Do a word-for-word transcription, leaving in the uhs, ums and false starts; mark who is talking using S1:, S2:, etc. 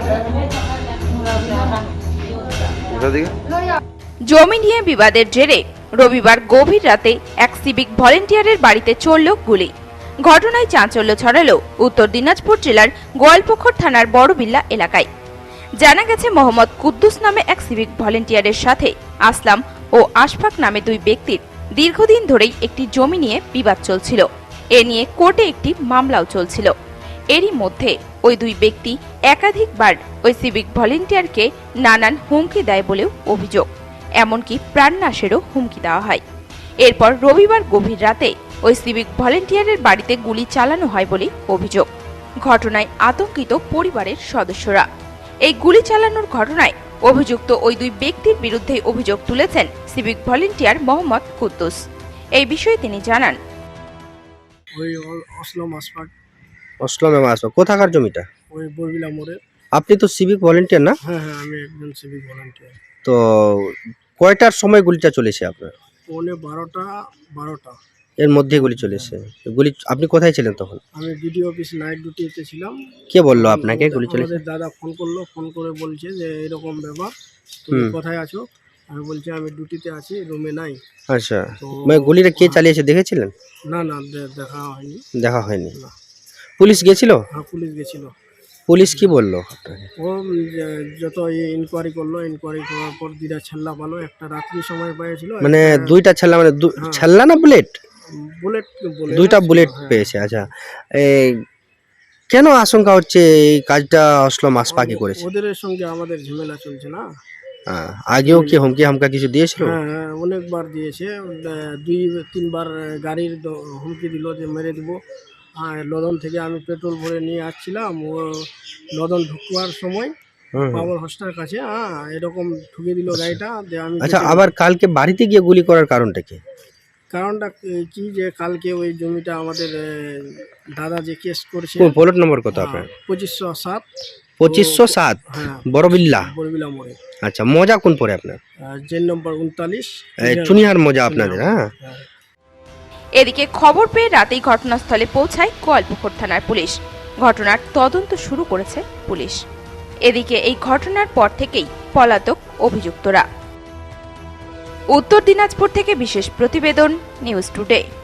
S1: জমি নিয়ে বিবাদের জেরে রবিবার গভীর রাতে এক সিভিক ভলেন্টিয়ারের বাড়িতে চলল গুলি। ঘটনায় চাঞ্চল্য ছড়ালো উত্তর দিনাজপুর জেলার গোয়ালপুকুর থানার বড়বিল্লা এলাকায়। জানা গেছে, মোহাম্মদ কুদ্দুস নামে এক সিভিক ভলেন্টিয়ারের সাথে আসলাম ও আশফাক নামে দুই ব্যক্তির দীর্ঘদিন ধরেই একটি জমি নিয়ে বিবাদ চলছিল। এ নিয়ে কোর্টে একটি মামলাও চলছিল। এরই মধ্যে ওই দুই ব্যক্তি একাধিকবার ওই সিভিক ভলেন্টিয়ারকে নানান হুমকি দেয় বলেও অভিযোগ, এমনকি প্রাণনাশেরও হুমকি দেওয়া হয়। এরপর রবিবার গভীর রাতে ওই সিভিক ভলেন্টিয়ারের বাড়িতে গুলি চালানো হয় বলে অভিযোগ। ঘটনায় আতঙ্কিত পরিবারের সদস্যরা। এই গুলি চালানোর ঘটনায় অভিযুক্ত ওই দুই ব্যক্তির বিরুদ্ধে অভিযোগ তুলেছেন সিভিক ভলেন্টিয়ার মোহাম্মদ কুদ্দুস। এই বিষয়ে তিনি জানান,
S2: ওই আসলাম আশফাক।
S3: আসলাম আশফাক কোথাকার জমিটা?
S2: ওই বড়বিলা মোড়ে।
S3: আপনি তো সিভিক ভলেন্টিয়ার না?
S2: হ্যাঁ হ্যাঁ, আমি একজন সিভিক ভলেন্টিয়ার।
S3: তো কয়টার সময় গুলিটা চলেছে আপনার?
S2: পৌনে বারোটা বারোটা
S3: এর মধ্যে গুলি চলেছে। গুলি আপনি কোথায় ছিলেন তখন?
S2: আমি বিডিও অফিস নাইট ডিউটিতে ছিলাম।
S3: কে বললো আপনাকে গুলি চলেছে?
S2: আমাদের দাদা ফোন করলো, ফোন করে বলছে যে এরকম ব্যাপার, তুমি কোথায় আছো? আমি বলছি আমি ডিউটিতে আছি, রুমে নাই।
S3: আচ্ছা, মানে গুলিটা কে চালিয়েছে দেখেছিলেন?
S2: না না, দে- দেখা হয়নি।
S3: দেখা হয়নি। পুলিশ গেছিল?
S2: হ্যাঁ, পুলিশ গেছিল।
S3: পুলিশ কি বললো আপনাকে?
S2: ও যে- যত ইনকোয়ারি করলো, ইনকোয়ারি করার পর দুইটা ছেল্লা পালো, একটা রাত্রি সময় পেয়েছিল,
S3: মানে দুইটা ছেল্লা, মানে দু- ছেল্লা না বুলেট?
S2: বুলেট বুলেট
S3: দুইটা
S2: ছিল,
S3: বুলেট
S2: হ্যাঁ।
S3: পেয়েছে। আচ্ছা, এই কেন আশঙ্কা হচ্ছে এই কাজটা আসলাম আশফাকই করেছে?
S2: ওদের সঙ্গে আমাদের ঝামেলা চলছে না।
S3: হ্যাঁ, আগেও কি হুমকি হামকা কিছু দিয়েছিল?
S2: হ্যাঁ হ্যাঁ, অনেকবার দিয়েছে। আহ, দুই তিনবার গাড়ির দ- হুমকি দিল যে মেরে দিব। আর লদন থেকে আমি পেট্রোল ভরে নিয়ে আসছিলাম, ও লদন ঢুকবার সময়
S3: হুম হুম।
S2: পাওয়ার হোস্টার কাছে হ্যাঁ এরকম ঠুকে দিল গাড়িটা। যে আমি
S3: আচ্ছা,
S2: যেতে-
S3: আবার কালকে বাড়িতে গিয়ে গুলি করার কারণটা কি?
S2: কারণটা কি যে কালকে ওই জমিটা আমাদের আহ, দাদা যে কেস করেছে,
S3: কোন প্লট নম্বর কত আপনার?
S2: পঁচিশশো সাত
S3: পঁচিশশো সাত
S2: হ্যাঁ
S3: বড়বিল্লা।
S2: বড়বিলা মোড়ে।
S3: আচ্ছা, মজা কোন পরে আপনার?
S2: জেন নম্বর উনতাল্লিশ,
S3: এই চুনিহার মজা আপনাদের। হ্যাঁ,
S1: এদিকে খবর পেয়ে রাতেই ঘটনাস্থলে পৌঁছায় গোয়ালপুকুর থানার পুলিশ। ঘটনার তদন্ত শুরু করেছে পুলিশ। এদিকে এই ঘটনার পর থেকেই পলাতক অভিযুক্তরা। উত্তর দিনাজপুর থেকে বিশেষ প্রতিবেদন, নিউজ টুডে।